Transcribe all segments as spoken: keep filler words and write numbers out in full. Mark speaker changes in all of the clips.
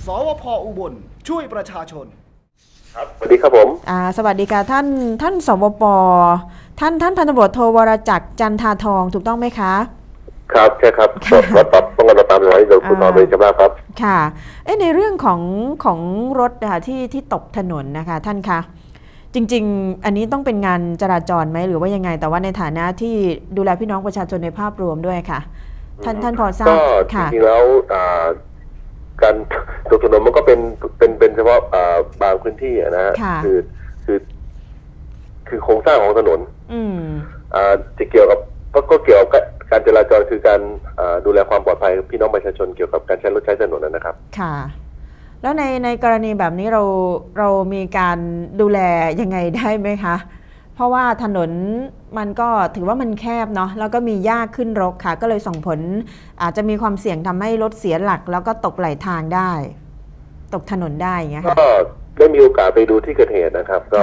Speaker 1: สวพ.อุบลช่วยประชาชน
Speaker 2: ครับสวัสดีครับผม
Speaker 3: อ่าสวัสดีค่ะท่านท่านสวป.ท่านท่านพันตำรวจโทวรจักรจันทาทองถูกต้องไหมคะ
Speaker 2: ครับใช่ครับรถตับต้องการตามหลังโดยคุณนอนเลยใช่ไหมครับ
Speaker 3: ค่ะเอ๊ะในเรื่องของของรถนะคะที่ที่ตกถนนนะคะท่านคะจริงๆอันนี้ต้องเป็นงานจราจรไหมหรือว่ายังไงแต่ว่าในฐานะที่ดูแลพี่น้องประชาชนในภาพรวมด้วยค่ะท่านท่านพอทราบ
Speaker 2: ก็จริงๆแล้วการตกถนนมันก็เป็นเป็นเป็นเฉพาะบางพื้นที่นะฮะคือคือคือโครงสร้างของถนนจะเกี่ยวกับก็เกี่ยวกับการจราจรคือการดูแลความปลอดภัยพี่น้องประชาชนเกี่ยวกับการใช้รถใช้ถนนนะครับ
Speaker 3: ค่ะแล้วในในกรณีแบบนี้เราเรามีการดูแลยังไงได้ไหมคะเพราะว่าถนนมันก็ถือว่ามันแคบเนาะแล้วก็มีหญ้าขึ้นรกค่ะก็เลยส่งผลอาจจะมีความเสี่ยงทำให้รถเสียหลักแล้วก็ตกไหลทางได้ตกถนนได้อย่างเงี้ยค่ะ
Speaker 2: ก็ได้มีโอกาสไปดูที่เกิดเหตุนะครับก็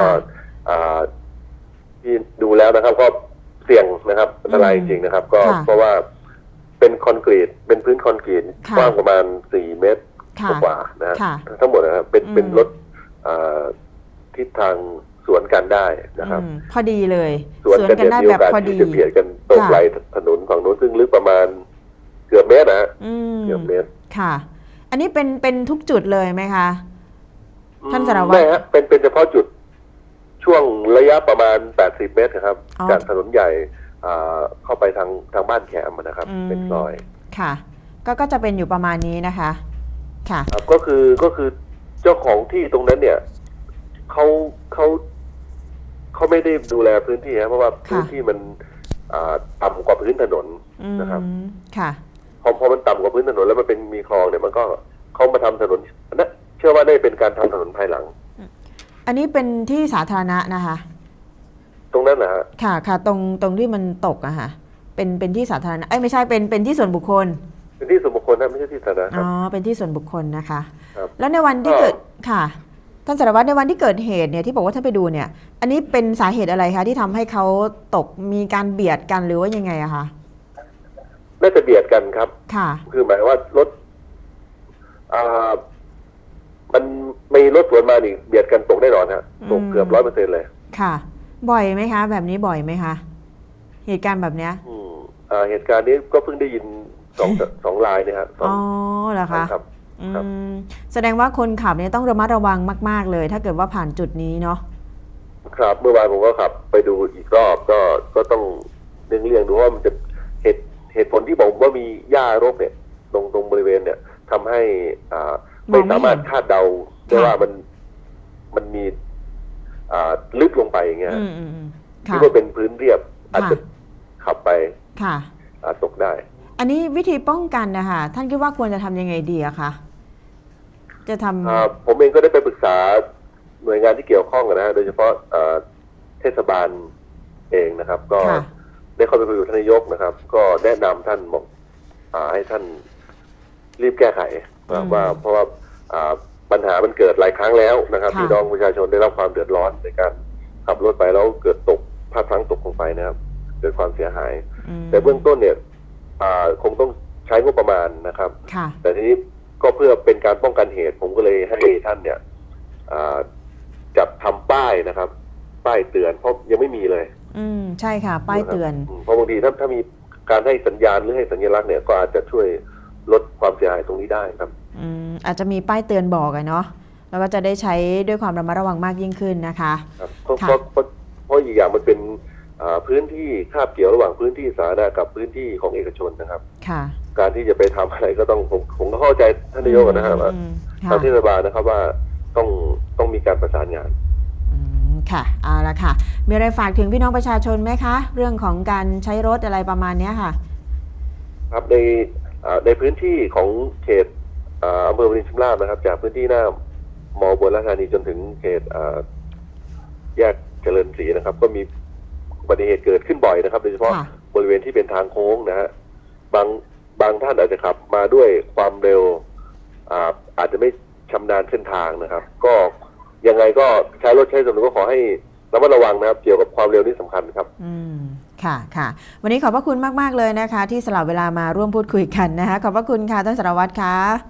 Speaker 2: ที่ดูแล้วนะครับก็เสี่ยงนะครับอันตรายจริงๆนะครับก็เพราะว่าเป็นคอนกรีตเป็นพื้นคอนกรีตกว้างประมาณสี่เมตรกว่านะฮะทั้งหมดนะครับเป็นเป็นรถทิศทางสวนกันได้นะครับ
Speaker 3: พอดีเลย
Speaker 2: สวนกันได้แบบพอดีเบียดกันตกไหลถนนฝั่งโน้นซึ่งลึกประมาณเกือบเมตรนะเกือบเมตร
Speaker 3: ค่ะอันนี้เป็นเป็นทุกจุดเลยไหมคะท่านสารวัตร
Speaker 2: ไม่ฮะเป็นเป็นเฉพาะจุดช่วงระยะประมาณแปดสิบเมตรครับจากถนนใหญ่เข้าไปทางทางบ้านแขมนะครับเป็นซอย
Speaker 3: ค่ะก็ก็จะเป็นอยู่ประมาณนี้นะคะค่ะ
Speaker 2: ก็คือก็คือเจ้าของที่ตรงนั้นเนี่ยเขาเขาเขาไม่ได้ดูแลพื้นที่ครับเพราะว่าพื้นที่มันต่ำกว่าพื้นถนนนะครับ
Speaker 3: ค่ะ
Speaker 2: พอพอมันต่ำกว่าพื้นถนนแล้วมันเป็นมีคลองเนี่ยมันก็เขามาทำถนนนะเชื่อว่าได้เป็นการทำถนนภายหลัง
Speaker 3: อันนี้เป็นที่สาธารณะนะคะ
Speaker 2: ตรงนั้นนะฮะ
Speaker 3: ค่ะค่ะตรงตรงที่มันตกอะค่ะเป็นเป็นที่สาธารณะเอ้ยไม่ใช่เป็นเป็นที่ส่วนบุคคล
Speaker 2: เป็นที่ส่วนบุคคลนะไม่ใช่ที่สาธารณะ
Speaker 3: อ๋อเป็นที่ส่วนบุคคลนะคะแล้วในวันที่เกิดค่ะท่านสารวัตรในวันที่เกิดเหตุเนี่ยที่บอกว่าท่านไปดูเนี่ยอันนี้เป็นสาเหตุอะไรคะที่ทำให้เขาตกมีการเบียดกันหรือว่ายังไงอะคะ
Speaker 2: น่าจะเบียดกันครับ
Speaker 3: ค่ะ
Speaker 2: คือหมายว่ารถอ่ามันมีรถสวนมานี่เบียดกันตกแน่นอนฮะตกเกือบร้อยเปอร์เซ็นต์เลย
Speaker 3: ค่ะบ่อยไหมคะแบบนี้บ่อยไหมคะเหตุการณ์แบบเนี้ย
Speaker 2: อืมอ่าเหตุการณ์นี้ก็เพิ่งได้ยินสองสองรายเนี่ยครับ
Speaker 3: อ๋อเหรอคะครับแสดงว่าคนขับเนี่ยต้องระมัดระวังมากๆเลยถ้าเกิดว่าผ่านจุดนี้เนาะ
Speaker 2: ครับเมื่อวานผมก็ขับไปดูอีกรอบก็ก็ต้องเลี่ยงเลี่ยงดูว่ามันจะเหตุเหตุผลที่บอกว่ามีหญ้ารกเนี่ยตรงตรงบริเวณเนี่ยทำให้อ่าไม่สามารถคาดเดาได้ว่ามันมันมีอ่าลึกลงไปอย่างเงี้ยคิดว่าเป็นพื้นเรียบอาจจะขับไปตกได้
Speaker 3: อันนี้วิธีป้องกันนะคะท่านคิดว่าควรจะทำยังไงดีอะคะจะท
Speaker 2: ำผมเองก็ได้ไปปรึกษาหน่วยงานที่เกี่ยวข้องนะฮะโดยเฉพาะเทศบาลเองนะครับก็ได้เข้าไปคุยกับท่านนายกนะครับก็แนะนำท่านบอกให้ท่านรีบแก้ไขว่าเพราะว่าปัญหามันเกิดหลายครั้งแล้วนะครับพี่น้องประชาชนได้รับความเดือดร้อนในการขับรถไปแล้วเกิดตกพลาดพลั้งตกลงไปนะครับเกิดความเสียหายแต่เบื้องต้นเนี่ยคงต้องใช้งบประมาณนะครับแต่ทีนี้ก็เพื่อเป็นการป้องกันเหตุผมก็เลยให้ท่านเนี่ยจับทำป้ายนะครับป้ายเตือนเพราะยังไม่มีเลย
Speaker 3: อืมใช่ค่ะป้ายเตือน
Speaker 2: เพราะบางทีถ้าถ้ามีการให้สัญญาณหรือให้สัญลักษณ์เนี่ยก็อาจจะช่วยลดความเสียหายตรงนี้ได้ครับ
Speaker 3: อืมอาจจะมีป้ายเตือนบอกอะเนาะแล้วก็จะได้ใช้ด้วยความระมัดระวังมากยิ่งขึ้นนะคะ
Speaker 2: ครับเพราะเพราะเพราะอีกอย่างมันเป็นพื้นที่คาบเกี่ยวระหว่างพื้นที่สาธารณะกับพื้นที่ของเอกชนนะครับ
Speaker 3: ค่ะ
Speaker 2: การที่จะไปทำอะไรก็ต้องผมผมก็เข้าใจท่านนายกนะครับว่าทางเทศบาลนะครับว่าต้องต้องมีการประสานงาน
Speaker 3: ค่ะเอาละค่ะมีอะไรฝากถึงพี่น้องประชาชนไหมคะเรื่องของการใช้รถอะไรประมาณนี้ค่ะ
Speaker 2: ครับในในพื้นที่ของเขตอำเภอวารินชำราบนะครับจากพื้นที่หน้ามอบัวราชธานีจนถึงเขตแยกเจริญศรีนะครับก็มีอุบัติเหตุเกิดขึ้นบ่อยนะครับโดยเฉพาะบริเวณที่เป็นทางโค้งนะฮะบางบางท่านอาจจะขับมาด้วยความเร็วอาอาจจะไม่ชำนาญเส้นทางนะครับก็ยังไงก็ใช้รถใช้ถนนก็ขอให้ระมัดระวังนะครับเกี่ยวกับความเร็วนี่สำคัญครับ
Speaker 3: อืมค่ะค่ะวันนี้ขอบพระคุณมากๆเลยนะคะที่สละเวลามาร่วมพูดคุยกันนะคะขอบพระคุณค่ะท่านสารวัตรค่ะ
Speaker 2: ครับ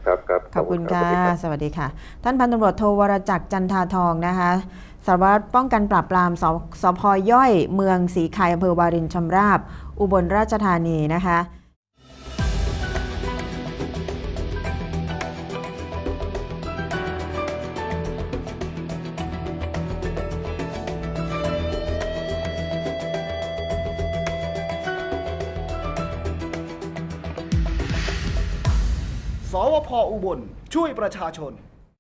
Speaker 2: ครับครับ
Speaker 3: ขอบคุณ
Speaker 2: รั
Speaker 3: ค่ะ
Speaker 2: สวัสดีรับ
Speaker 3: สวัสดีค่ะ ท่านพันตำรวจโทวรจักรจันทาทองนะคะสารวัตรป้องกันปราบปรามสสพย่อยเมืองศรีไข่อำเภอวารินชำราบ อุบลราชธานีนะคะ
Speaker 1: สวพอุบลช่วยประชาชน